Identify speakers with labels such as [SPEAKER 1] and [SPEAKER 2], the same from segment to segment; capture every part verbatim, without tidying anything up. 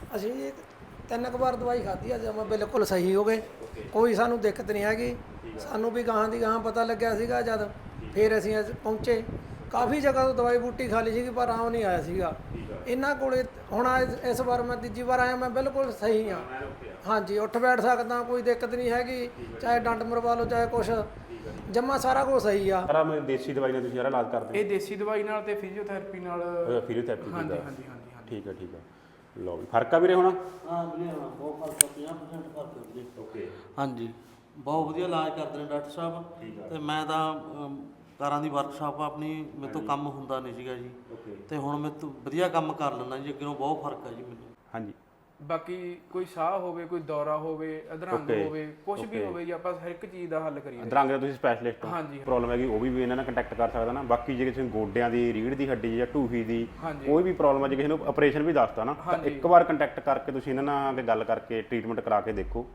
[SPEAKER 1] ਅਸੀਂ ਜੀ ਤਿੰਨ ਕੁ ਵਾਰ ਦਵਾਈ ਖਾਧੀ ਆ, ਜਮਾਂ ਬਿਲਕੁਲ ਸਹੀ ਹੋ ਗਏ। ਕੋਈ ਸਾਨੂੰ ਦਿੱਕਤ ਨਹੀਂ ਹੈਗੀ। ਸਾਨੂੰ ਵੀ ਗਾਹਾਂ ਦੀ ਗਾਹਾਂ ਪਤਾ ਲੱਗਿਆ ਸੀਗਾ ਜਦ, ਫਿਰ ਅਸੀਂ ਅੱਜ ਪਹੁੰਚੇ। ਕਾਫੀ ਜਗ੍ਹਾ ਤੋਂ ਦਵਾਈ ਬੂਟੀ ਖਾ ਲਈ ਸੀਗੀ ਪਰ ਆਉਂ ਨਹੀਂ ਆਇਆ ਸੀਗਾ ਇਹਨਾਂ ਕੋਲੇ। ਹੁਣ ਅੱਜ ਇਸ ਵਾਰ ਮੈਂ ਤੀਜੀ ਵਾਰ ਆਇਆ, ਮੈਂ ਬਿਲਕੁਲ ਸਹੀ ਹਾਂ। ਹਾਂਜੀ, ਉੱਠ ਬੈਠ ਸਕਦਾ, ਕੋਈ ਦਿੱਕਤ ਨਹੀਂ ਹੈਗੀ। ਚਾਹੇ ਡੰਡ ਮਰਵਾ ਲਓ ਚਾਹੇ ਕੁਛ, ਜਮਾ ਸਾਰਾ ਕੁਝ ਸਹੀ ਆ।
[SPEAKER 2] ਸਾਰਾ ਮੈਂ ਦੇਸੀ ਦਵਾਈ ਨਾਲ ਤੁਸੀਂ ਸਾਰਾ ਇਲਾਜ ਕਰਦੇ
[SPEAKER 3] ਇਹ ਦੇਸੀ ਦਵਾਈ ਨਾਲ ਤੇ ਫਿਜ਼ੀਓਥੈਰੇਪੀ ਨਾਲ।
[SPEAKER 2] ਹੋ? ਫਿਜ਼ੀਓਥੈਰੇਪੀ
[SPEAKER 3] ਹਾਂਜੀ
[SPEAKER 2] ਦਾ
[SPEAKER 3] ਹਾਂਜੀ ਹਾਂਜੀ ਹਾਂਜੀ
[SPEAKER 2] ਠੀਕ ਹੈ ਠੀਕ ਹੈ। ਲਓ ਵੀ ਫਰਕ ਆ ਵੀਰੇ ਹੁਣ?
[SPEAKER 4] ਹਾਂ ਵੀਰੇ ਹਾਂ, ਬਹੁਤ ਫਰਕ ਆ, ਪੰਜਾਹ ਪਰਸੈਂਟ ਫਰਕ ਆ ਵੀਰੇ।
[SPEAKER 2] ਓਕੇ
[SPEAKER 4] ਹਾਂਜੀ, ਬਹੁਤ ਵਧੀਆ ਇਲਾਜ ਕਰਦੇ ਨੇ ਡਾਕਟਰ ਸਾਹਿਬ। ਤੇ ਮੈਂ ਤਾਂ ਅਮ, ਕਾਰਾਂ ਦੀ ਵਰਕਸ਼ਾਪ ਆਪਣੀ, ਮੇਰੇ ਤੋਂ ਕੰਮ ਹੁੰਦਾ ਨਹੀਂ ਸੀਗਾ ਜੀ। ਤੇ ਹੁਣ ਮੇਰੇ ਤੋਂ ਵਧੀਆ ਕੰਮ ਕਰ ਲੈਂਦਾ ਜੀ, ਅੱਗੇ ਬਹੁਤ ਫਰਕ ਆ ਜੀ ਮੈਨੂੰ।
[SPEAKER 2] ਹਾਂਜੀ।
[SPEAKER 3] ਬਾਕੀ ਕੋਈ ਸਾਹ ਹੋਵੇ, ਕੋਈ ਦੌਰਾ ਹੋਵੇ, ਅਧਰੰਗ ਹੋਵੇ, ਕੁਝ ਵੀ ਹੋਵੇ ਜੀ, ਆਪਾਂ ਹਰ ਇੱਕ ਚੀਜ਼ ਦਾ ਹੱਲ ਕਰੀਏ।
[SPEAKER 2] ਅਧਰੰਗ ਦਾ ਤੁਸੀਂ ਸਪੈਸ਼ਲਿਸਟ ਹੋ?
[SPEAKER 3] ਹਾਂਜੀ।
[SPEAKER 2] ਪ੍ਰੋਬਲਮ ਹੈਗੀ ਉਹ ਵੀ ਵੀ ਇਹਨਾਂ ਨਾਲ ਕੰਟੈਕਟ ਕਰ ਸਕਦਾ ਨਾ। ਬਾਕੀ ਜੇ ਕਿਸੇ ਨੂੰ ਗੋਡਿਆਂ ਦੀ, ਰੀੜ੍ਹ ਦੀ ਹੱਡੀ ਜਾਂ ਢੂਹੀ ਦੀ ਕੋਈ ਵੀ ਪ੍ਰੋਬਲਮ ਹੈ, ਜੇ ਕਿਸੇ ਨੂੰ ਆਪਰੇਸ਼ਨ ਵੀ ਦੱਸਦਾ ਨਾ, ਤਾਂ ਇੱਕ ਵਾਰ ਕੰਟੈਕਟ ਕਰਕੇ ਤੁਸੀਂ ਇਹਨਾਂ ਨਾਲ ਗੱਲ ਕਰਕੇ ਟ੍ਰੀਟਮੈਂਟ ਕਰਾ ਕੇ ਦੇਖੋ।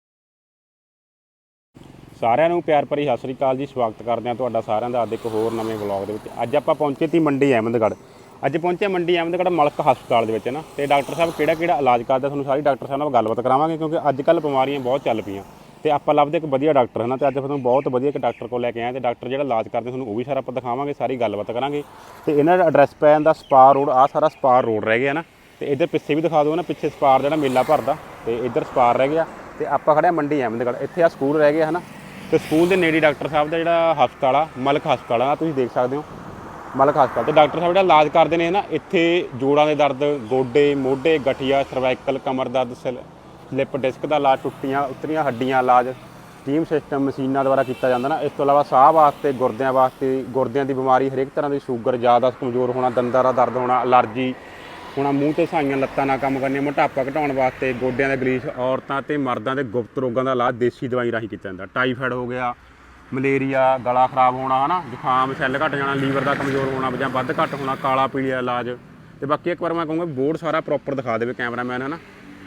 [SPEAKER 2] ਸਾਰਿਆਂ ਨੂੰ ਪਿਆਰ ਭਰੀ ਸਤਿ ਸ੍ਰੀ ਅਕਾਲ ਜੀ। ਸਵਾਗਤ ਕਰਦੇ ਹਾਂ ਤੁਹਾਡਾ ਸਾਰਿਆਂ ਦਾ ਅੱਜ ਇੱਕ ਹੋਰ ਨਵੇਂ ਵਲੌਗ ਦੇ ਵਿੱਚ। ਅੱਜ ਆਪਾਂ ਪਹੁੰਚੇ ਤੀ ਮੰਡੀ ਅਹਿਮਦਗੜ੍ਹ। ਅੱਜ ਪਹੁੰਚੇ ਮੰਡੀ ਅਹਿਮਦਗੜ੍ਹ ਮਲਕ ਹਸਪਤਾਲ ਦੇ ਵਿੱਚ ਨਾ, ਤੇ ਡਾਕਟਰ ਸਾਹਿਬ ਕਿਹੜਾ ਕਿਹੜਾ ਇਲਾਜ ਕਰਦਾ ਤੁਹਾਨੂੰ ਸਾਰੀ ਡਾਕਟਰ ਸਾਹਿਬ ਨਾਲ ਗੱਲਬਾਤ ਕਰਾਵਾਂਗੇ, ਕਿਉਂਕਿ ਅੱਜ ਕੱਲ੍ਹ ਬਿਮਾਰੀਆਂ ਬਹੁਤ ਚੱਲ ਪਈਆਂ ਤੇ ਆਪਾਂ ਲੱਭਦੇ ਇੱਕ ਵਧੀਆ ਡਾਕਟਰ ਹੈ ਨਾ। ਤੇ ਅੱਜ ਤੁਹਾਨੂੰ ਬਹੁਤ ਵਧੀਆ ਇੱਕ ਡਾਕਟਰ ਕੋਲ ਲੈ ਕੇ ਆਏ, ਤੇ ਡਾਕਟਰ ਜਿਹੜਾ ਇਲਾਜ ਕਰਦੇ ਤੁਹਾਨੂੰ ਉਹ ਵੀ ਸਾਰਾ ਆਪਾਂ ਦਿਖਾਵਾਂਗੇ, ਸਾਰੀ ਗੱਲਬਾਤ ਕਰਾਂਗੇ। ਤੇ ਇਹਨਾਂ ਦਾ ਐਡਰੈਸ ਪੈ ਜਾਂਦਾ ਸਪਾਰ ਰੋਡ। ਆਹ ਸਾਰਾ ਸਪਾਰ ਰੋਡ ਰਹਿ ਗਿਆ ਨਾ, ਤੇ ਇੱਧਰ ਪਿੱਛੇ ਵੀ ਦਿਖਾ ਦਿਓ ਨਾ, ਪਿੱਛੇ ਸਪਾਰ ਜਿਹੜਾ ਮੇਲਾ ਭਰਦਾ, ਤੇ ਇੱਧਰ ਸਪਾਰ ਰਹਿ ਗਿਆ। ਤੇ ਆਪਾਂ ਖੜਿਆ ਮੰਡੀ ਅਹਿਮਦਗੜ੍ਹ। ਇੱਥੇ ਆ ਸਕੂਲ ਰਹਿ ਗਿਆ ਹੈ ਨਾ, ਤੇ ਸਕੂਲ ਦੇ ਨੇੜੇ ਡਾਕਟਰ ਸਾਹਿਬ ਦਾ ਜਿਹੜਾ ਹਸਪਤਾਲ ਆ ਮਲਕ ਹਸਪਤਾਲ ਆ, ਤੁਸੀਂ ਦੇਖ ਸਕਦੇ ਹੋ ਮਲਕ ਹਸਪਤਾਲ। ਤੇ ਡਾਕਟਰ ਸਾਹਿਬ ਜਿਹੜਾ ਇਲਾਜ ਕਰਦੇ ਨੇ ਨਾ, ਇੱਥੇ ਜੋੜਾਂ ਦੇ ਦਰਦ, ਗੋਡੇ ਮੋਢੇ, ਗਠੀਆ, ਸਰਵਾਈਕਲ, ਕਮਰ ਦਰਦ, ਸਲਿੱਪ ਡਿਸਕ ਦਾ ਇਲਾਜ, ਟੁੱਟੀਆਂ ਉਤਰੀਆਂ ਹੱਡੀਆਂ ਇਲਾਜ ਸਟੀਮ ਸਿਸਟਮ ਮਸ਼ੀਨਾਂ ਦੁਆਰਾ ਕੀਤਾ ਜਾਂਦਾ ਨਾ। ਇਸ ਤੋਂ ਇਲਾਵਾ ਸਾਹ ਵਾਸਤੇ, ਗੁਰਦਿਆਂ ਵਾਸਤੇ, ਗੁਰਦਿਆਂ ਦੀ ਬਿਮਾਰੀ, ਹਰੇਕ ਤਰ੍ਹਾਂ ਦੀ ਸ਼ੂਗਰ, ਜ਼ਿਆਦਾ ਕਮਜ਼ੋਰ ਹੋਣਾ, ਦੰਦਾਂ ਦਾ ਦਰਦ ਹੋਣਾ, ਅਲਰਜੀ ਹੋਣਾ, ਮੂੰਹ ਤੇ ਸਾਈਆਂ ਲੱਤਾਂ ਨਾਲ ਕੰਮ ਕਰਨੀਆਂ, ਮੋਟਾਪਾ ਘਟਾਉਣ ਵਾਸਤੇ, ਗੋਡਿਆਂ ਦਾ ਗਲੀਚ, ਔਰਤਾਂ ਤੇ ਮਰਦਾਂ ਦੇ ਗੁਪਤ ਰੋਗਾਂ ਦਾ ਇਲਾਜ ਦੇਸੀ ਦਵਾਈ ਰਾਹੀਂ ਕੀਤਾ ਜਾਂਦਾ। ਟਾਈਫਾਇਡ ਹੋ ਗਿਆ, ਮਲੇਰੀਆ, ਗਲਾ ਖਰਾਬ ਹੋਣਾ ਹੈ ਨਾ, ਜ਼ੁਕਾਮ, ਸੈੱਲ ਘੱਟ ਜਾਣਾ, ਲੀਵਰ ਦਾ ਕਮਜ਼ੋਰ ਹੋਣਾ ਜਾਂ ਵੱਧ ਘੱਟ ਹੋਣਾ, ਕਾਲਾ ਪੀਲੀਆ ਇਲਾਜ। ਤੇ ਬਾਕੀ ਇੱਕ ਵਾਰ ਮੈਂ ਕਹੂੰਗਾ ਬੋਰਡ ਸਾਰਾ ਪ੍ਰੋਪਰ ਦਿਖਾ ਦੇਵੇ ਕੈਮਰਾਮੈਨ ਹੈ ਨਾ।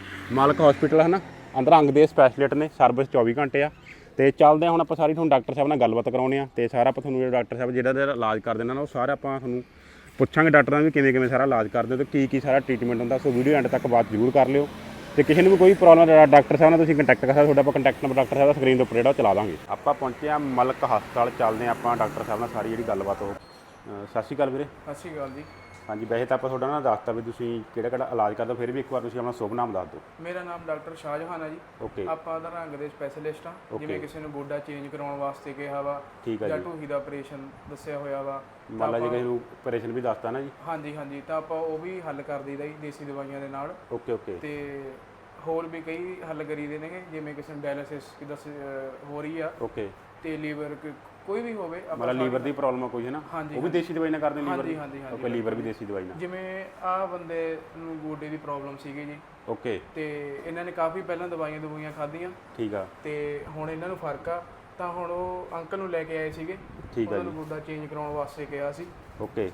[SPEAKER 2] ਮਲਕ ਹਸਪੀਟਲ ਹੈ ਨਾ, ਅਧਰੰਗ ਦੇ ਸਪੈਸ਼ਲਿਸਟ ਨੇ, ਸਰਵਿਸ ਚੌਵੀ ਘੰਟੇ ਆ। ਤੇ ਚੱਲਦੇ ਹਾਂ ਹੁਣ ਆਪਾਂ ਸਾਰੀ ਤੁਹਾਨੂੰ ਡਾਕਟਰ ਸਾਹਿਬ ਨਾਲ ਗੱਲਬਾਤ ਕਰਾਉਂਦੇ ਹਾਂ, ਤੇ ਸਾਰਾ ਆਪਾਂ ਤੁਹਾਨੂੰ ਜਿਹੜਾ ਡਾਕਟਰ ਸਾਹਿਬ ਜਿਹੜਾ ਜਿਹੜਾ ਇਲਾਜ ਕਰਦੇ ਨੇ ਨਾ, ਉਹ ਸਾਰਾ ਆਪਾਂ ਤੁਹਾਨੂੰ ਪੁੱਛਾਂਗੇ ਡਾਕਟਰਾਂ ਨੂੰ ਵੀ ਕਿਵੇਂ ਕਿਵੇਂ ਸਾਰਾ ਇਲਾਜ ਕਰਦੇ ਹੋ ਤੇ ਕੀ ਕੀ ਸਾਰਾ ਟ੍ਰੀਟਮੈਂਟ ਹੁੰਦਾ। ਸੋ ਵੀਡੀਓ ਐਂਡ ਤੱਕ ਬਾਤ ਜ਼ਰੂਰ ਕਰ ਲਿਓ। ਤੇ ਕਿਸੇ ਨੂੰ ਵੀ ਕੋਈ ਪ੍ਰੋਬਲਮ ਹੈ ਡਾਕਟਰ ਸਾਹਿਬ ਨਾਲ ਤੁਸੀਂ ਕੰਟੈਕਟ ਕਰ ਸਕਦੇ ਹੋ। ਤੁਹਾਡਾ ਆਪਾਂ ਕੰਟੈਕਟ ਨੰਬਰ ਡਾਕਟਰ ਸਾਹਿਬ ਦਾ ਸਕਰੀਨ ਦੇ ਉੱਪਰ ਜਿਹੜਾ ਉਹ ਚਲਾ ਦਾਂਗੇ। ਆਪਾਂ ਪਹੁੰਚੇ ਹਾਂ ਮਲਕ ਹਸਪਤਾਲ, ਚੱਲਦੇ ਹਾਂ ਆਪਾਂ ਡਾਕਟਰ ਸਾਹਿਬ ਨਾਲ ਸਾਰੀ ਜਿਹੜੀ ਗੱਲਬਾਤ ਉਹ। ਸਤਿ ਸ਼੍ਰੀ ਅਕਾਲ ਵੀਰੇ।
[SPEAKER 3] ਸਤਿ ਸ਼੍ਰੀ ਅਕਾਲ ਜੀ।
[SPEAKER 2] ਹਾਂਜੀ, ਵੈਸੇ ਤਾਂ ਆਪਾਂ ਤੁਹਾਡਾ ਨਾ ਦੱਸਤਾ ਵੀ ਤੁਸੀਂ ਕਿਹੜਾ ਕਿਹੜਾ ਇਲਾਜ ਕਰਦੇ ਹੋ, ਫਿਰ ਵੀ ਇੱਕ ਵਾਰ ਤੁਸੀਂ ਆਪਣਾ ਸ਼ੁਭ ਨਾਮ ਦੱਸ ਦਿਓ।
[SPEAKER 3] ਮੇਰਾ ਨਾਮ ਡਾਕਟਰ ਸ਼ਾਹਜਹਾਨ ਹੈ ਜੀ।
[SPEAKER 2] ਓਕੇ।
[SPEAKER 3] ਆਪਾਂ ਅਧਰੰਗ ਦੇ ਸਪੈਸ਼ਲਿਸਟ ਆ। ਜਿਵੇਂ ਕਿਸੇ ਨੂੰ ਗੋਡਾ ਚੇਂਜ ਕਰਾਉਣ ਵਾਸਤੇ ਕਿਹਾ ਵਾ,
[SPEAKER 2] ਠੀਕ ਹੈ
[SPEAKER 3] ਜਾਂ
[SPEAKER 2] ਜੀ।
[SPEAKER 3] ਢੂਹੀ ਦਾ ਆਪਰੇਸ਼ਨ ਦੱਸਿਆ ਹੋਇਆ ਵਾ,
[SPEAKER 2] ਮੰਨ ਲਾ ਜੇ ਕਿਸੇ ਨੂੰ ਆਪਰੇਸ਼ਨ ਵੀ ਦੱਸਤਾ ਨਾ ਜੀ।
[SPEAKER 3] ਹਾਂਜੀ ਹਾਂਜੀ, ਤਾਂ ਆਪਾਂ ਉਹ ਵੀ ਹੱਲ ਕਰ ਦਈਦਾ ਜੀ ਦੇਸੀ ਦਵਾਈਆਂ ਦੇ ਨਾਲ।
[SPEAKER 2] Okay okay.
[SPEAKER 3] ਤੇ ਹੋਰ ਵੀ ਕਈ ਹੱਲ ਕਰੀਦੇ ਨੇਗੇ, ਜਿਵੇਂ ਕਿਸੇ ਨੂੰ ਡਾਇਲਿਸਿਸ ਦੱਸ ਹੋ ਰਹੀ ਆ,
[SPEAKER 2] ਓਕੇ।
[SPEAKER 3] ਤੇ ਲੀਵਰ ਕੋਈ ਵੀ ਹੋਵੇ,
[SPEAKER 2] ਮਤਲਬ ਲੀਵਰ ਦੀ ਪ੍ਰੋਬਲਮ ਕੋਈ ਹੈ ਨਾ, ਉਹ ਵੀ ਦੇਸੀ ਦਵਾਈ ਨਾਲ ਕਰਦੇ ਲੀਵਰ ਦੀ?
[SPEAKER 3] ਹਾਂਜੀ ਹਾਂਜੀ।
[SPEAKER 2] ਓਕੇ, ਲੀਵਰ ਵੀ ਦੇਸੀ ਦਵਾਈ ਨਾਲ।
[SPEAKER 3] ਜਿਵੇਂ ਆਹ ਬੰਦੇ ਨੂੰ ਗੋਡੇ ਦੀ ਪ੍ਰੋਬਲਮ ਸੀਗੀ ਜੀ।
[SPEAKER 2] ਓਕੇ।
[SPEAKER 3] ਤੇ ਇਹਨਾਂ ਨੇ ਕਾਫੀ ਪਹਿਲਾਂ ਦਵਾਈਆਂ ਦਵਾਈਆਂ ਖਾਧੀਆਂ,
[SPEAKER 2] ਠੀਕ ਆ।
[SPEAKER 3] ਤੇ ਹੁਣ ਇਹਨਾਂ ਨੂੰ ਫਰਕ ਆ, ਤਾਂ ਹੁਣ ਉਹ ਅੰਕਲ ਨੂੰ ਲੈ ਕੇ ਆਏ ਸੀਗੇ।
[SPEAKER 2] ਠੀਕ ਆ
[SPEAKER 3] ਉਹਨਾਂ ਨੂੰ ਗੋਡਾ ਚੇਂਜ ਕਰਾਉਣ ਵਾਸਤੇ ਕਿਹਾ ਸੀ।
[SPEAKER 2] ਓਕੇ।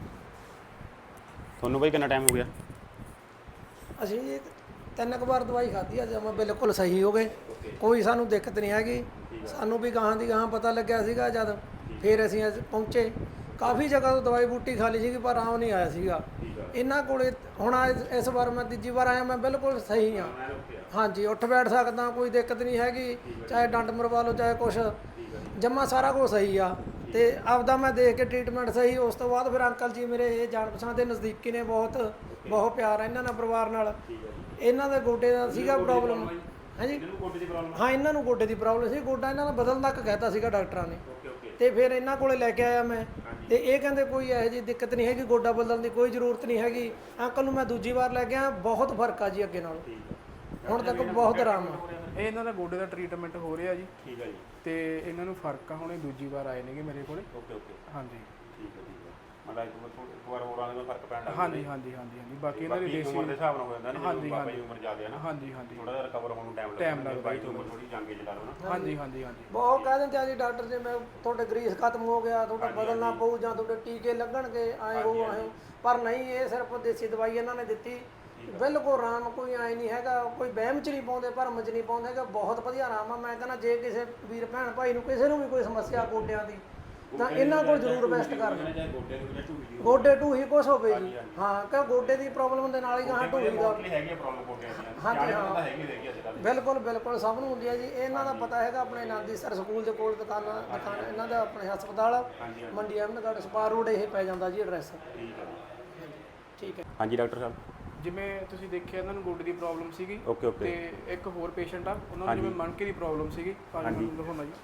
[SPEAKER 2] ਤੁਹਾਨੂੰ ਬਾਈ ਕਿੰਨਾ ਟਾਈਮ ਹੋ ਗਿਆ?
[SPEAKER 1] ਅਸੀਂ ਜੀ ਤਿੰਨ ਕੁ ਵਾਰ ਦਵਾਈ ਖਾਧੀ ਆ, ਜਮਾਂ ਬਿਲਕੁਲ ਸਹੀ ਹੋ ਗਏ। ਕੋਈ ਸਾਨੂੰ ਦਿੱਕਤ ਨਹੀਂ ਹੈਗੀ। ਸਾਨੂੰ ਵੀ ਗਾਹਾਂ ਦੀ ਗਾਹਾਂ ਪਤਾ ਲੱਗਿਆ ਸੀਗਾ ਜਦ, ਫਿਰ ਅਸੀਂ ਅੱਜ ਪਹੁੰਚੇ। ਕਾਫੀ ਜਗ੍ਹਾ ਤੋਂ ਦਵਾਈ ਬੂਟੀ ਖਾ ਲਈ ਸੀਗੀ ਪਰ ਆਉਂ ਨਹੀਂ ਆਇਆ ਸੀਗਾ ਇਹਨਾਂ ਕੋਲੇ। ਹੁਣ ਅੱਜ ਇਸ ਵਾਰ ਮੈਂ ਤੀਜੀ ਵਾਰ ਆਇਆ, ਮੈਂ ਬਿਲਕੁਲ ਸਹੀ ਹਾਂ। ਹਾਂਜੀ, ਉੱਠ ਬੈਠ ਸਕਦਾ, ਕੋਈ ਦਿੱਕਤ ਨਹੀਂ ਹੈਗੀ। ਚਾਹੇ ਡੰਡ ਮਰਵਾ ਲਓ ਚਾਹੇ ਕੁਛ, ਜਮਾ ਸਾਰਾ ਕੁਝ ਸਹੀ ਆ। ਤੇ ਆਪਦਾ ਮੈਂ ਦੇਖ ਕੇ ਟ੍ਰੀਟਮੈਂਟ ਸਹੀ। ਉਸ ਤੋਂ ਬਾਅਦ ਫਿਰ ਅੰਕਲ ਜੀ ਮੇਰੇ ਇਹ ਜਾਣ ਪਛਾਣ ਦੇ ਨਜ਼ਦੀਕੀ ਨੇ, ਬਹੁਤ ਬਹੁਤ ਪਿਆਰ ਆ ਇਹਨਾਂ ਨਾਲ, ਪਰਿਵਾਰ ਨਾਲ। ਇਹਨਾਂ ਦੇ ਗੋਡੇ ਦਾ ਸੀਗਾ ਪ੍ਰੋਬਲਮ। ਹਾਂਜੀ ਹਾਂ, ਇਹਨਾਂ ਨੂੰ ਗੋਡੇ ਦੀ ਪ੍ਰੋਬਲਮ ਸੀ। ਗੋਡਾ ਇਹਨਾਂ ਦਾ ਬਦਲਣ ਤੱਕ ਕਹਿਤਾ ਸੀਗਾ ਡਾਕਟਰਾਂ ਨੇ। ਤੇ ਫਿਰ ਇਹਨਾਂ ਕੋਲੇ ਲੈ ਕੇ ਆਇਆ ਮੈਂ, ਤੇ ਇਹ ਕਹਿੰਦੇ ਕੋਈ ਇਹੋ ਜਿਹੀ ਦਿੱਕਤ ਨਹੀਂ ਹੈਗੀ, ਗੋਡਾ ਬਦਲਣ ਦੀ ਕੋਈ ਜ਼ਰੂਰਤ ਨਹੀਂ ਹੈਗੀ। ਅੰਕਲ ਨੂੰ ਮੈਂ ਦੂਜੀ ਵਾਰ ਲੈ ਗਿਆ, ਬਹੁਤ ਫਰਕ ਆ ਜੀ ਅੱਗੇ ਨਾਲੋਂ। ਹੁਣ ਤੱਕ ਬਹੁਤ ਆਰਾਮ ਆ।
[SPEAKER 3] ਇਹ ਇਹਨਾਂ ਦਾ ਗੋਡੇ ਦਾ ਟ੍ਰੀਟਮੈਂਟ ਹੋ ਰਿਹਾ ਜੀ।
[SPEAKER 2] ਠੀਕ ਹੈ ਜੀ।
[SPEAKER 3] ਤੇ ਇਹਨਾਂ ਨੂੰ ਫਰਕ ਆ, ਹੁਣ ਇਹ ਦੂਜੀ ਵਾਰ ਆਏ ਨੇਗੇ ਮੇਰੇ ਕੋਲੇ।
[SPEAKER 2] Okay okay.
[SPEAKER 3] ਹਾਂਜੀ
[SPEAKER 2] ਠੀਕ ਹੈ ਠੀਕ ਹੈ। ਮਤਲਬ ਇੱਕ ਵਾਰ ਹੋਰ ਆਉਂਦੇ ਫਰਕ ਪੈਣ ਲੱਗ ਗਿਆ।
[SPEAKER 3] ਹਾਂਜੀ ਹਾਂਜੀ ਹਾਂਜੀ ਹਾਂਜੀ। ਬਾਕੀ ਇਹਨਾਂ ਦੀ ਦੇਸੀ
[SPEAKER 2] ਉਮਰ ਦੇ ਹਿਸਾਬ ਨਾਲ ਹੋ ਜਾਂਦਾ ਨਾ,
[SPEAKER 3] ਹਾਂਜੀ
[SPEAKER 2] ਬਾਬਾ ਜੀ ਉਮਰ ਜ਼ਿਆਦਾ ਹੈ ਨਾ,
[SPEAKER 3] ਹਾਂਜੀ ਹਾਂਜੀ,
[SPEAKER 2] ਥੋੜਾ ਜਿਹਾ ਰਿਕਵਰ ਹੋਣ ਨੂੰ ਟਾਈਮ
[SPEAKER 3] ਟਾਈਮ
[SPEAKER 2] ਲੱਗਦਾ।
[SPEAKER 3] ਲੱਗਦਾ
[SPEAKER 2] ਬਾਈ ਦੀ ਉਮਰ ਥੋੜੀ ਜਾਂਗੇ ਚਲਾ ਲਓ ਨਾ।
[SPEAKER 3] ਹਾਂਜੀ ਹਾਂਜੀ ਹਾਂਜੀ।
[SPEAKER 1] ਬਹੁਤ ਕਹਿ ਦਿੰਦੇ ਆ ਜੀ ਡਾਕਟਰ ਜੀ, ਮੈਂ ਤੁਹਾਡੇ ਗਰੀਸ ਖਤਮ ਹੋ ਗਿਆ, ਤੁਹਾਡਾ ਬਦਲਣਾ ਪਊ ਜਾਂ ਤੁਹਾਡੇ ਟੀਕੇ ਲੱਗਣਗੇ, ਆਏ ਹੋ ਆਏ। ਪਰ ਨਹੀਂ, ਇਹ ਸਿਰਫ ਦੇਸੀ ਦਵਾਈ ਇਹਨਾਂ ਨੇ ਦਿੱਤੀ, ਬਿਲਕੁਲ ਆਰਾਮ। ਕੋਈ ਐਂ ਨਹੀਂ ਹੈਗਾ, ਕੋਈ ਵਹਿਮ 'ਚ ਨਹੀਂ ਪਾਉਂਦੇ, ਭਰਮ 'ਚ ਨਹੀਂ ਪਾਉਂਦੇ ਹੈਗਾ। ਬਹੁਤ ਵਧੀਆ ਆਰਾਮ ਆ। ਮੈਂ ਕਹਿੰਦਾ ਜੇ ਕਿਸੇ ਵੀਰ ਭੈਣ ਭਾਈ ਨੂੰ ਕਿਸੇ ਨੂੰ ਵੀ ਕੋਈ ਸਮੱਸਿਆ ਗੋਡਿਆਂ ਦੀ, ਤਾਂ ਇਹਨਾਂ ਕੋਲ ਜ਼ਰੂਰ ਬੈਸਟ ਕਰਨਾ।
[SPEAKER 2] ਚਾਹੇ ਗੋਡੇ ਨੂੰ ਜਾਂ ਢੂਹੀ ਦੀ
[SPEAKER 1] ਗੋਡੇ ਢੂਹੀ ਕੁਛ ਹੋਵੇ ਜੀ, ਹਾਂ ਕਿ ਗੋਡੇ ਦੀ ਪ੍ਰੋਬਲਮ ਦੇ ਨਾਲ ਹੀ ਗਾਹਾਂ ਢੂਹੀ ਦਾ
[SPEAKER 2] ਹੈਗੀ ਆ ਪ੍ਰੋਬਲਮ ਗੋਡਿਆਂ ਦੀ
[SPEAKER 1] ਹਾਂਜੀ ਹਾਂ
[SPEAKER 2] ਹੈਗੀ ਹੈਗੀ ਅੱਜ ਕੱਲ੍ਹ
[SPEAKER 1] ਬਿਲਕੁਲ ਬਿਲਕੁਲ ਸਭ ਨੂੰ ਹੁੰਦੀ ਹੈ ਜੀ। ਇਹਨਾਂ ਦਾ ਪਤਾ ਹੈਗਾ ਆਪਣੇ ਆਨੰਦੀ ਸਰ ਸਕੂਲ ਦੇ ਕੋਲ ਦੁਕਾਨਾਂ ਦੁਕਾਨ ਇਹਨਾਂ ਦਾ ਆਪਣੇ ਹਸਪਤਾਲ ਮੰਡੀ ਅਹਿਮਦਗੜ੍ਹ ਸਪਾਰ ਰੋਡ ਇਹ ਪੈ ਜਾਂਦਾ ਜੀ ਐਡਰੈਸ।
[SPEAKER 2] ਠੀਕ ਹੈ
[SPEAKER 1] ਠੀਕ ਹੈ
[SPEAKER 2] ਹਾਂਜੀ ਡਾਕਟਰ ਸਾਹਿਬ।
[SPEAKER 3] ਜਿਵੇਂ ਤੁਸੀਂ ਦੇਖਿਆ ਇਹਨਾਂ ਨੂੰ ਗੋਡੇ ਦੀ ਪ੍ਰੋਬਲਮ ਸੀਗੀ
[SPEAKER 2] ਓਕੇ ਓਕੇ
[SPEAKER 3] ਤੇ ਇੱਕ ਹੋਰ ਪੇਸ਼ੈਂਟ ਆ ਉਹਨਾਂ ਨੂੰ ਜਿਵੇਂ ਮਣਕੇ ਦੀ ਪ੍ਰੋਬਲਮ ਸੀਗੀ ਭਾਜੀ ਨੂੰ ਦਿਖਾਉਣਾ ਜੀ।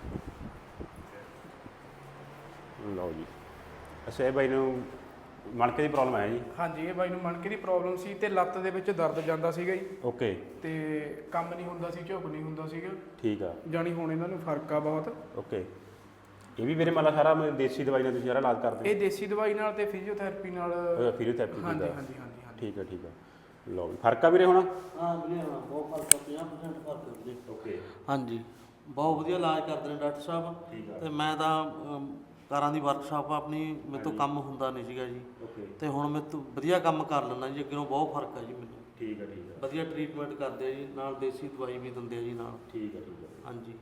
[SPEAKER 2] ਲਓ ਜੀ ਅੱਛਾ ਇਹ ਬਾਈ ਨੂੰ ਮਣਕੇ ਦੀ ਪ੍ਰੋਬਲਮ ਹੈ ਜੀ।
[SPEAKER 3] ਹਾਂਜੀ ਇਹ ਬਾਈ ਨੂੰ ਮਣਕੇ ਦੀ ਪ੍ਰੋਬਲਮ ਸੀ ਤੇ ਲੱਤ ਦੇ ਵਿੱਚ ਦਰਦ ਜਾਂਦਾ ਸੀਗਾ ਜੀ
[SPEAKER 2] ਓਕੇ
[SPEAKER 3] ਤੇ ਕੰਮ ਨਹੀਂ ਹੁੰਦਾ ਸੀ, ਝੁਕ ਨਹੀਂ ਹੁੰਦਾ ਸੀਗਾ।
[SPEAKER 2] ਠੀਕ ਆ
[SPEAKER 3] ਜਾਣੀ ਹੁਣ ਇਹਨਾਂ ਨੂੰ ਫਰਕ ਆ ਬਹੁਤ।
[SPEAKER 2] ਓਕੇ ਇਹ ਵੀ ਮੇਰੇ ਮਤਲਬ ਸਾਰਾ ਦੇਸੀ ਦਵਾਈ ਨਾਲ ਤੁਸੀਂ ਸਾਰਾ ਇਲਾਜ ਕਰਦੇ
[SPEAKER 3] ਇਹ ਦੇਸੀ ਦਵਾਈ ਨਾਲ ਤੇ ਫਿਜ਼ੀਓਥੈਰੇਪੀ ਨਾਲ
[SPEAKER 2] ਹੋ ਫਿਜ਼ੀਓਥੈਰੇਪੀ
[SPEAKER 3] ਹਾਂਜੀ
[SPEAKER 2] ਦਾ
[SPEAKER 3] ਹਾਂਜੀ ਹਾਂਜੀ ਹਾਂਜੀ
[SPEAKER 2] ਠੀਕ ਆ ਠੀਕ ਆ ਲਓ ਜੀ ਫਰਕ ਆ ਵੀਰੇ ਹੁਣ
[SPEAKER 4] ਹਾਂ ਵੀਰੇ ਹਾਂ ਬਹੁਤ ਫਰਕ ਆ, ਪੰਜਾਹ ਪ੍ਰਸੈਂਟ ਫਰਕ ਆ ਵੀਰੇ।
[SPEAKER 2] ਓਕੇ
[SPEAKER 4] ਹਾਂਜੀ ਬਹੁਤ ਵਧੀਆ ਇਲਾਜ ਕਰਦੇ ਨੇ ਡਾਕਟਰ ਸਾਹਿਬ। ਤੇ ਮੈਂ ਤਾਂ ਅਮ, ਕਾਰਾਂ ਦੀ ਵਰਕਸ਼ਾਪ ਆਪਣੀ ਮੇਰੇ ਤੋਂ ਕੰਮ ਹੁੰਦਾ ਨਹੀਂ ਸੀਗਾ ਜੀ,
[SPEAKER 2] ਓਕੇ
[SPEAKER 4] ਤੇ ਹੁਣ ਮੈਂ ਤੋਂ ਵਧੀਆ ਕੰਮ ਕਰ ਲੈਂਦਾ ਜੀ। ਅੱਗੇ ਨਾਲੋਂ ਬਹੁਤ ਫਰਕ ਆ ਜੀ ਮੈਨੂੰ।
[SPEAKER 2] ਠੀਕ ਆ ਠੀਕ ਆ
[SPEAKER 4] ਵਧੀਆ ਟਰੀਟਮੈਂਟ ਕਰਦੇ ਆ ਜੀ, ਨਾਲ ਦੇਸੀ ਦਵਾਈ ਵੀ ਦਿੰਦੇ ਆ ਜੀ ਨਾਲ।
[SPEAKER 2] ਠੀਕ ਆ ਠੀਕ ਆ
[SPEAKER 4] ਹਾਂਜੀ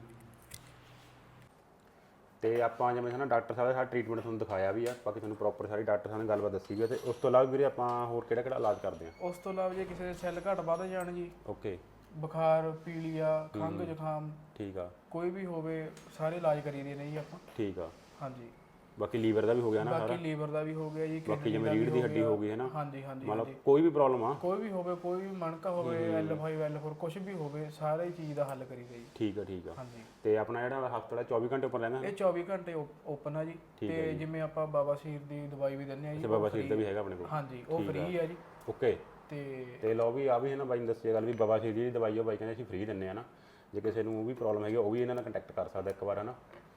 [SPEAKER 2] ਤੇ ਆਪਾਂ ਜਿਵੇਂ ਨਾ ਡਾਕਟਰ ਸਾਹਿਬ ਦਾ ਸਾਰਾ ਟ੍ਰੀਟਮੈਂਟ ਤੁਹਾਨੂੰ ਦਿਖਾਇਆ ਵੀ ਆ, ਬਾਕੀ ਤੁਹਾਨੂੰ ਪ੍ਰੋਪਰ ਸਾਰੀ ਡਾਕਟਰ ਸਾਹਿਬ ਨੇ ਗੱਲਬਾਤ ਦੱਸੀ ਵੀ ਆ। ਤੇ ਉਸ ਤੋਂ ਇਲਾਵਾ ਵੀਰੇ ਆਪਾਂ ਹੋਰ ਕਿਹੜਾ ਕਿਹੜਾ ਇਲਾਜ ਕਰਦੇ ਆ?
[SPEAKER 3] ਉਸ ਤੋਂ ਇਲਾਵਾ ਜੇ ਕਿਸੇ ਦੇ ਸੈੱਲ ਘੱਟ ਵੱਧ ਜਾਣ ਜੀ,
[SPEAKER 2] ਓਕੇ
[SPEAKER 3] ਬੁਖਾਰ, ਪੀਲੀਆ, ਖੰਘ, ਜ਼ੁਕਾਮ
[SPEAKER 2] ਠੀਕ ਆ
[SPEAKER 3] ਕੋਈ ਵੀ ਹੋਵੇ ਸਾਰੇ ਇਲਾਜ ਕਰੀਦੇ ਨੇ ਜੀ ਆਪਾਂ।
[SPEAKER 2] ਠੀਕ ਆ
[SPEAKER 3] ਹਾਂਜੀ
[SPEAKER 2] ਬਾਕੀ ਲੀਵਰ ਦਾ ਵੀ ਹੋ ਗਿਆ ਨਾ ਸਾਰਾ,
[SPEAKER 3] ਬਾਕੀ ਲੀਵਰ ਦਾ ਵੀ ਹੋ ਗਿਆ ਜੀ,
[SPEAKER 2] ਬਾਕੀ
[SPEAKER 3] kidney
[SPEAKER 2] ਜਿਵੇਂ
[SPEAKER 3] ਦਾ ਵੀ
[SPEAKER 2] ਰੀੜ੍ਹ ਦੀ
[SPEAKER 3] ਹੋ
[SPEAKER 2] ਹੱਡੀ
[SPEAKER 3] ਗਿਆ।
[SPEAKER 2] ਹੋ ਗਈ ਹੈ ਨਾ,
[SPEAKER 3] ਹਾਂਜੀ ਹਾਂਜੀ
[SPEAKER 2] ਮਤਲਬ
[SPEAKER 3] ਹਾਂਜੀ
[SPEAKER 2] ਕੋਈ ਵੀ ਪ੍ਰੋਬਲਮ ਆ
[SPEAKER 3] ਕੋਈ ਵੀ ਹੋਵੇ, ਕੋਈ ਵੀ ਮਣਕਾ ਹੋਵੇ, ਐਲ ਫਾਈਵ ਐਲ ਫੋਰ ਕੁਝ ਵੀ ਹੋਵੇ, ਸਾਰੇ ਹੀ ਚੀਜ਼ ਦਾ ਹੱਲ ਕਰੀਦਾ ਜੀ।
[SPEAKER 2] ਠੀਕ ਆ ਠੀਕ ਆ
[SPEAKER 3] ਹਾਂਜੀ
[SPEAKER 2] ਤੇ ਆਪਣਾ ਜਿਹੜਾ ਹਸਪਤਾਲ ਹੈ ਚੌਵੀ ਘੰਟੇ ਉੱਪਰ ਰਹਿੰਦਾ
[SPEAKER 3] ਇਹ ਚੌਵੀ ਘੰਟੇ ਓਪਨ ਆ ਜੀ। ਤੇ ਜਿਵੇਂ ਆਪਾਂ ਬਾਬਾ ਸ਼ੀਰ ਦੀ ਦਵਾਈ ਵੀ ਦਿੰਦੇ ਆ ਜੀ,
[SPEAKER 2] ਤੇ ਬਾਬਾ ਸ਼ੀਰ ਦਾ ਵੀ ਹੈਗਾ ਆਪਣੇ ਕੋਲ।
[SPEAKER 3] ਹਾਂਜੀ ਉਹ ਫ੍ਰੀ ਆ ਜੀ।
[SPEAKER 2] ਓਕੇ
[SPEAKER 3] ਤੇ
[SPEAKER 2] ਤੇ ਲਓ ਵੀ ਆ ਵੀ ਹੈ ਨਾ ਬਾਈ ਨੇ ਦੱਸਿਆ ਗੱਲ ਵੀ ਬਾਬਾ ਸ਼ੀਰ ਦੀ ਦਵਾਈ ਉਹ ਬਾਈ ਕਹਿੰਦੇ ਅਸੀਂ ਫ੍ਰੀ ਦਿੰਦੇ ਆ ਨਾ, ਜੇ ਕਿਸੇ ਨੂੰ ਉਹ ਵੀ ਪ੍ਰੋਬਲਮ ਹੈਗੀ ਉਹ ਵੀ ਇਹਨਾਂ ਨਾਲ ਕੰਟੈਕਟ ਕਰ ਸਕਦਾ ਇੱਕ ਵਾਰ ਹੈ ਨਾ।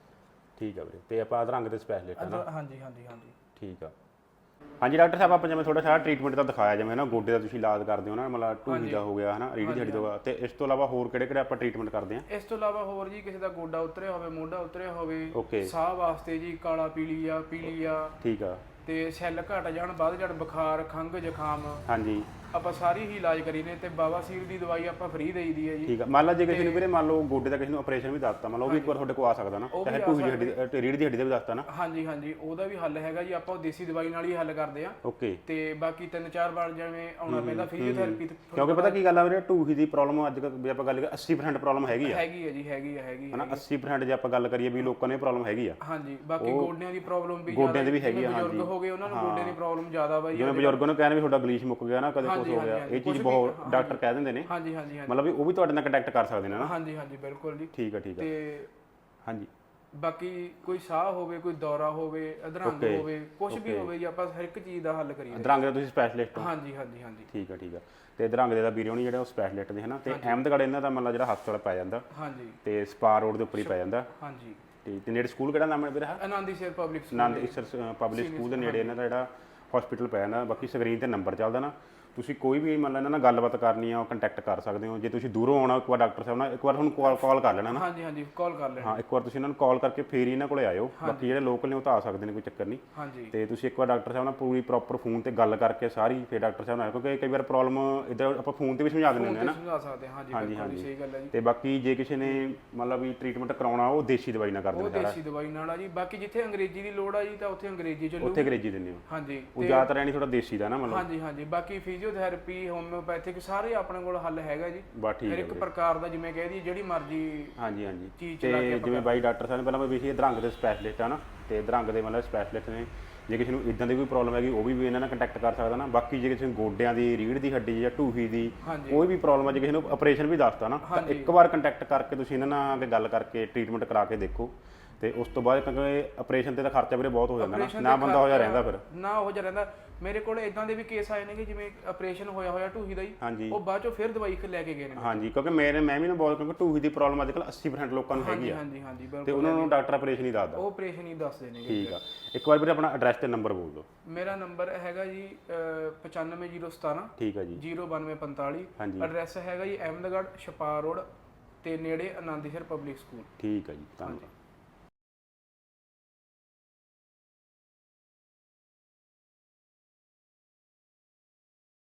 [SPEAKER 2] ਠੀਕ ਆ ਵੀਰੇ ਤੇ ਆਪਾਂ ਅਧਰੰਗ ਦੇ ਸਪੈਸ਼ਲਿਸਟ ਹੈ ਨਾ।
[SPEAKER 3] ਹਾਂਜੀ ਹਾਂਜੀ ਹਾਂਜੀ
[SPEAKER 2] ਠੀਕ ਆ ਹਾਂਜੀ ਡਾਕਟਰ ਸਾਹਿਬ ਆਪਾਂ ਜਿਵੇਂ ਥੋੜਾ ਸਾਰਾ ਟ੍ਰੀਟਮੈਂਟ ਤਾਂ ਦਿਖਾਇਆ ਜਿਵੇਂ ਨਾ ਗੋਡੇ ਦਾ ਤੁਸੀਂ ਇਲਾਜ ਕਰਦੇ ਹੋ ਨਾ, ਮਤਲਬ ਢੂਹੀ ਦਾ ਹੋ ਗਿਆ ਹੈ ਨਾ, ਰੀੜ੍ਹ ਦੀ ਹੱਡੀ ਦਾ, ਤੇ ਇਸ ਤੋਂ ਇਲਾਵਾ ਹੋਰ ਕਿਹੜੇ ਕਿਹੜੇ ਆਪਾਂ ਟ੍ਰੀਟਮੈਂਟ ਕਰਦੇ ਆ?
[SPEAKER 3] ਇਸ ਤੋਂ ਇਲਾਵਾ ਹੋਰ ਜੀ ਕਿਸੇ ਦਾ ਗੋਡਾ ਉਤਰਿਆ ਹੋਵੇ, ਮੋਢਾ ਉਤਰਿਆ ਹੋਵੇ,
[SPEAKER 2] ਓਕੇ
[SPEAKER 3] ਸਾਹ ਵਾਸਤੇ ਜੀ ਕਾਲਾ ਪੀਲੀਆ ਪੀਲੀਆ
[SPEAKER 2] ਠੀਕ ਆ
[SPEAKER 3] ਤੇ ਸੈੱਲ ਘਟ ਜਾਣ, ਵੱਧ ਜਾਣ, ਬੁਖਾਰ, ਖੰਘ, ਜ਼ੁਕਾਮ,
[SPEAKER 2] ਹਾਂਜੀ
[SPEAKER 3] ਆਪਾਂ ਸਾਰੀ ਹੀ ਇਲਾਜ ਕਰੀ ਨੇ। ਤੇ ਬਾਬਾ ਸ਼ੀਰ ਦੀ ਦਵਾਈ ਆਪਾਂ ਫ੍ਰੀ ਦੇਈਦੀ ਹੈ ਜੀ।
[SPEAKER 2] ਠੀਕ ਆ ਮੰਨ ਲਾ ਜੇ ਕਿਸੇ ਨੂੰ ਵੀਰੇ ਮੰਨ ਲਓ ਗੋਡੇ ਦਾ ਕਿਸੇ ਨੂੰ ਆਪਰੇਸ਼ਨ ਵੀ ਦੱਸਤਾ, ਮੰਨ ਲਓ ਉਹ ਵੀ ਇੱਕ ਵਾਰ ਤੁਹਾਡੇ ਕੋਲ ਆ ਸਕਦਾ ਨਾ, ਚਾਹੇ ਢੂਹੀ ਦੀ ਹੱਡੀ ਤੇ ਰੀੜ੍ਹ ਦੀ ਹੱਡੀ ਦਾ ਵੀ ਦੱਸਤਾ ਨਾ।
[SPEAKER 3] ਹਾਂਜੀ ਹਾਂਜੀ ਉਹਦਾ ਵੀ ਹੱਲ ਹੈਗਾ ਜੀ, ਆਪਾਂ ਉਹ ਦੇਸੀ ਦਵਾਈ ਨਾਲ ਹੀ ਹੱਲ ਕਰਦੇ ਆ।
[SPEAKER 2] ਓਕੇ
[SPEAKER 3] ਤੇ ਬਾਕੀ ਤਿੰਨ ਚਾਰ ਵਾਰ ਜਿਵੇਂ ਆਉਣਾ ਪੈਂਦਾ ਫਿਜ਼ੀਓਥੈਰੇਪੀ
[SPEAKER 2] ਕਿਉਂਕਿ ਪਤਾ ਕੀ ਗੱਲ ਆ ਵੀਰੇ ਢੂਹੀ ਦੀ ਪ੍ਰੋਬਲਮ ਅੱਜ ਕੱਲ੍ਹ ਵੀ ਆਪਾਂ ਗੱਲ ਕਰੀਏ ਅੱਸੀ ਪ੍ਰਸੈਂਟ ਪ੍ਰੋਬਲਮ ਹੈਗੀ ਆ
[SPEAKER 3] ਹੈਗੀ ਹੈ ਜੀ, ਹੈਗੀ ਹੈ ਹੈਗੀ
[SPEAKER 2] ਹੈ ਨਾ। ਅੱਸੀ ਪ੍ਰਸੈਂਟ ਜੇ ਆਪਾਂ ਗੱਲ ਕਰੀਏ ਵੀ ਲੋਕਾਂ ਨੂੰ ਇਹ ਪ੍ਰੋਬਲਮ ਹੈਗੀ ਆ।
[SPEAKER 3] ਹਾਂਜੀ ਬਾਕੀ ਗੋਡਿਆਂ ਦੀ ਪ੍ਰੋਬਲਮ ਵੀ
[SPEAKER 2] ਗੋਡਿਆਂ ਦੀ ਵੀ ਹੈਗੀ ਆ।
[SPEAKER 3] ਬਜ਼ੁਰਗ ਹੋ ਗਏ ਉਹਨਾਂ ਨੂੰ ਗੋਡਿਆਂ ਦੀ ਪ੍ਰੋਬਲਮ ਜ਼ਿਆਦਾ ਬਾਈ।
[SPEAKER 2] ਜਿਵੇਂ ਬਜ਼ੁਰਗਾਂ ਨੂੰ ਕਹਿੰਦੇ ਵੀ ਤੁਹਾਡਾ ਗਲੀਚ ਮੁੱਕ ਗਿਆ ਨਾ, ਕਦੇ ਕੁਝ ਹੋ ਗਿਆ, ਇਹ ਚੀਜ਼ ਬਹੁਤ ਡਾਕਟਰ ਕਹਿ ਦਿੰਦੇ ਨੇ।
[SPEAKER 3] ਹਾਂਜੀ ਹਾਂਜੀ ਹਾਂਜੀ
[SPEAKER 2] ਮਤਲਬ ਵੀ ਉਹ ਵੀ ਤੁਹਾਡੇ ਨਾਲ ਕੰਟੈਕਟ ਕਰ ਸਕਦੇ ਨੇ ਨਾ।
[SPEAKER 3] ਹਾਂਜੀ ਹਾਂਜੀ ਬਿਲਕੁਲ ਜੀ।
[SPEAKER 2] ਠੀਕ ਆ ਠੀਕ ਆ
[SPEAKER 3] ਤੇ
[SPEAKER 2] ਹਾਂਜੀ
[SPEAKER 3] ਬਾਕੀ ਕੋਈ ਸਾਹ ਹੋਵੇ, ਕੋਈ ਦੌਰਾ ਹੋਵੇ, ਅਧਰੰਗ ਹੋਵੇ, ਕੁਝ ਵੀ ਹੋਵੇ ਜੀ, ਆਪਾਂ ਹਰ ਇੱਕ ਚੀਜ਼ ਦਾ ਹੱਲ ਕਰੀਏ।
[SPEAKER 2] ਅਧਰੰਗ ਦਾ ਤੁਸੀਂ ਸਪੈਸ਼ਲਿਸਟ ਹੋ?
[SPEAKER 3] ਹਾਂਜੀ ਹਾਂਜੀ ਹਾਂਜੀ
[SPEAKER 2] ਠੀਕ ਆ ਠੀਕ ਆ ਤੇ ਅਧਰੰਗ ਦੇ ਦਾ ਵੀਰੇ ਹੋਣੀ ਜਿਹੜੇ ਉਹ ਸਪੈਸ਼ਲਿਸਟ ਨੇ ਹਨਾ। ਤੇ ਅਹਿਮਦਗੜ੍ਹ ਇਹਨਾਂ ਦਾ ਮਤਲਬ ਜਿਹੜਾ ਹਸਪਤਾਲ ਪੈ ਜਾਂਦਾ
[SPEAKER 3] ਹਾਂਜੀ
[SPEAKER 2] ਤੇ ਸਪਾਰ ਰੋਡ ਦੇ ਉੱਪਰ ਹੀ ਪੈ ਜਾਂਦਾ।
[SPEAKER 3] ਹਾਂਜੀ
[SPEAKER 2] ਤੇ ਤੇ ਨੇੜੇ ਸਕੂਲ ਕਿਹੜਾ ਨਾਮ ਹੈ ਵੀਰੇ?
[SPEAKER 3] ਆਨੰਦੀ ਸਰ public school.
[SPEAKER 2] Anand Isar public school ਦੇ ਨੇੜੇ ਇਹਨਾਂ ਦਾ ਜਿਹੜਾ ਹਸਪੀਟਲ ਪੈ ਜਾਂਦਾ। ਬਾਕੀ ਸਕਰੀਨ ਤੇ ਨੰਬਰ ਚੱਲਦਾ ਨਾ, ਤੁਸੀਂ ਕੋਈ ਵੀ ਮੰਨ ਲਓ ਇਹਨਾਂ ਨਾਲ ਗੱਲਬਾਤ ਕਰਨੀ ਆ ਉਹ ਕੰਟੈਕਟ ਕਰ ਸਕਦੇ ਹੋ। ਜੇ ਤੁਸੀਂ ਦੂਰੋਂ ਆਉਣਾ ਇੱਕ ਵਾਰ ਡਾਕਟਰ ਸਾਹਿਬ ਨਾਲ ਇੱਕ ਵਾਰ ਤੁਹਾਨੂੰ ਕਾਲ ਕਾਲ ਕਰ ਲੈਣਾ ਨਾ।
[SPEAKER 3] ਹਾਂਜੀ ਹਾਂਜੀ ਕਾਲ ਕਰ ਲੈਣਾ।
[SPEAKER 2] ਹਾਂ ਇੱਕ ਵਾਰ ਤੁਸੀਂ ਇਹਨਾਂ ਨੂੰ ਕਾਲ ਕਰਕੇ ਫੇਰ ਹੀ ਇਹਨਾਂ ਕੋਲੇ ਆਇਓ। ਬਾਕੀ ਜਿਹੜੇ ਲੋਕਲ ਨੇ ਉਹ ਤਾਂ ਆ ਸਕਦੇ ਨੇ, ਕੋਈ ਚੱਕਰ ਨਹੀਂ।
[SPEAKER 3] ਹਾਂਜੀ
[SPEAKER 2] ਤੇ ਤੁਸੀਂ ਇੱਕ ਵਾਰ ਡਾਕਟਰ ਸਾਹਿਬ ਨਾਲ ਪੂਰੀ ਪ੍ਰੋਪਰ ਫੋਨ ਤੇ ਗੱਲ ਕਰਕੇ ਸਾਰੀ ਫੇਰ ਡਾਕਟਰ ਸਾਹਿਬ ਨਾਲ ਆਇਓ, ਕਿਉਂਕਿ ਕਈ ਵਾਰ ਪ੍ਰੋਬਲਮ ਇੱਧਰ ਆਪਾਂ ਫੋਨ ਤੇ ਵੀ ਸਮਝਾ ਦਿੰਦੇ ਹੁੰਦੇ ਨਾ।
[SPEAKER 3] ਸਮਝਾ ਸਕਦੇ ਹਾਂ ਜੀ, ਬਿਲਕੁਲ ਸਹੀ ਗੱਲ ਹੈ ਜੀ।
[SPEAKER 2] ਤੇ ਬਾਕੀ ਜੇ ਕਿਸੇ ਨੇ ਮਤਲਬ ਵੀ ਟ੍ਰੀਟਮੈਂਟ ਕਰਾਉਣਾ ਉਹ ਦੇਸੀ ਦਵਾਈ ਨਾਲ ਕਰਦੇ
[SPEAKER 3] ਉਹ
[SPEAKER 2] ਨੇ ਸਾਰਾ।
[SPEAKER 3] ਦੇਸੀ ਦਵਾਈ ਨਾਲ ਆ ਜੀ। ਬਾਕੀ ਜਿੱਥੇ ਅੰਗਰੇਜ਼ੀ ਦੀ ਲੋੜ ਆ ਜੀ ਤਾਂ ਉੱਥੇ ਅੰਗਰੇਜ਼ੀ ਚੱਲੂ।
[SPEAKER 2] ਉੱਥੇ ਅੰਗਰੇਜ਼ੀ ਦਿੰਦੇ ਹੋ?
[SPEAKER 3] ਹਾਂਜੀ
[SPEAKER 2] ਉਹ ਜ਼ਿਆਦਾਤਰ ਐਣੀ ਥੋੜਾ ਦੇਸੀ ਦਾ ਨਾ ਮਤਲਬ।
[SPEAKER 3] ਹਾਂਜੀ ਹਾਂਜੀ ਬਾਕੀ ਫਿਜ਼ੀਓਥੈਰੇਪੀ, ਹੋਮਿਓਪੈਥਿਕ ਸਾਰੇ ਆਪਣੇ ਕੋਲ ਹੱਲ ਹੈਗਾ ਜੀ।
[SPEAKER 2] ਬਸ ਠੀਕ
[SPEAKER 3] ਹਰ
[SPEAKER 2] ਹੈ
[SPEAKER 3] ਇੱਕ ਪ੍ਰਕਾਰ ਦਾ ਜਿਵੇਂ ਕਹਿ ਦਈਏ ਜਿਹੜੀ ਮਰਜ਼ੀ
[SPEAKER 2] ਹਾਂਜੀ ਹਾਂਜੀ।
[SPEAKER 3] ਚੀਜ਼
[SPEAKER 2] ਤੇ ਜਿਵੇਂ ਬਾਈ ਡਾਕਟਰ ਸਾਹਿਬ ਨੇ ਪਹਿਲਾਂ ਵੀ ਇਹ ਅਧਰੰਗ ਦੇ ਸਪੈਸ਼ਲਿਸਟ ਆ ਨਾ, ਤੇ ਅਧਰੰਗ ਦੇ ਮਤਲਬ ਸਪੈਸ਼ਲਿਸਟ ਨੇ। ਜੇ ਕਿਸੇ ਨੂੰ ਇਦਾਂ ਦੀ ਕੋਈ ਪ੍ਰੋਬਲਮ ਹੈਗੀ ਉਹ ਵੀ ਇਹਨਾਂ ਨਾਲ ਕੰਟੈਕਟ ਕਰ ਸਕਦਾ ਨਾ। ਬਾਕੀ ਜੇ ਕਿਸੇ ਨੂੰ ਗੋਡਿਆਂ ਦੀ, ਰੀੜ੍ਹ ਦੀ ਹੱਡੀ ਜਾਂ ਢੂਹੀ ਦੀ ਕੋਈ ਵੀ ਪ੍ਰੋਬਲਮ ਹੈ, ਜੇ ਕਿਸੇ ਨੂੰ ਆਪਰੇਸ਼ਨ ਵੀ ਦੱਸਦਾ ਨਾ, ਤਾਂ ਇੱਕ ਵਾਰ ਕੰਟੈਕਟ ਕਰਕੇ ਤੁਸੀਂ ਇਹਨਾਂ ਨਾਲ ਅੱਗੇ ਗੱਲ ਕਰਕੇ ਟ੍ਰੀਟਮੈਂਟ ਕਰਾ ਕੇ ਦੇਖੋ। ਤੇ ਉਸ ਤੋਂ ਬਾਅਦ ਕਿਉਂਕਿ ਆਪਰੇਸ਼ਨ ਤੇ ਤਾਂ ਖਰਚਾ ਵੀਰੇ ਬਹੁਤ ਹੋ ਜਾਂਦਾ ਨਾ, ਨਾ ਬੰਦਾ ਹੋ ਜਾ ਰਹਿੰਦਾ ਫਿਰ
[SPEAKER 3] ਨਾ ਹੋ ਜਾ ਰਹਿੰਦਾ। ਮੇਰੇ ਕੋਲ ਇਦਾਂ ਦੇ ਵੀ ਕੇਸ ਆਏ ਨੇ ਕਿ ਜਿਵੇਂ ਆਪਰੇਸ਼ਨ ਹੋਇਆ ਹੋਇਆ ਢੂਹੀ ਦਾ ਹੀ, ਉਹ ਬਾਅਦ ਚੋਂ ਫਿਰ ਦਵਾਈ ਲੈ ਕੇ ਗਏ ਨੇ।
[SPEAKER 2] ਹਾਂਜੀ ਕਿਉਂਕਿ ਮੇਰੇ ਮੈਂ ਵੀ ਨਾ ਬਹੁਤ, ਕਿਉਂਕਿ ਢੂਹੀ ਦੀ ਪ੍ਰੋਬਲਮ ਅੱਜ ਕੱਲ੍ਹ ਅੱਸੀ ਪ੍ਰਸੈਂਟ ਲੋਕਾਂ ਨੂੰ ਹੈਗੀ ਆ।
[SPEAKER 3] ਹਾਂਜੀ ਹਾਂਜੀ ਬਿਲਕੁਲ।
[SPEAKER 2] ਤੇ ਉਹਨਾਂ ਨੂੰ ਡਾਕਟਰ ਆਪਰੇਸ਼ਨ ਹੀ ਦੱਸਦਾ।
[SPEAKER 3] ਉਹ ਆਪਰੇਸ਼ਨ ਹੀ ਦੱਸਦੇ ਨੇ।
[SPEAKER 2] ਠੀਕ ਆ ਇੱਕ ਵਾਰ ਵੀਰੇ ਆਪਣਾ ਐਡਰੈਸ ਤੇ ਨੰਬਰ ਬੋਲ ਦਿਓ।
[SPEAKER 3] ਮੇਰਾ ਨੰਬਰ ਹੈਗਾ ਜੀ ਪਚਾਨਵੇਂ ਜ਼ੀਰੋ ਸਤਾਰਾਂ
[SPEAKER 2] ਠੀਕ ਆ ਜੀ
[SPEAKER 3] ਜ਼ੀਰੋ ਬਾਨਵੇਂ ਪੰਤਾਲੀ। ਐਡਰੈਸ ਹੈਗਾ ਜੀ ਅਹਿਮਦਗੜ੍ਹ ਛਪਾਰ ਰੋਡ ਤੇ ਨੇੜੇ ਆਨੰਦੀ ਸਰ ਪਬਲਿਕ ਸਕੂਲ।
[SPEAKER 2] ਠੀਕ ਆ ਜੀ ਧੰਨਵਾਦ।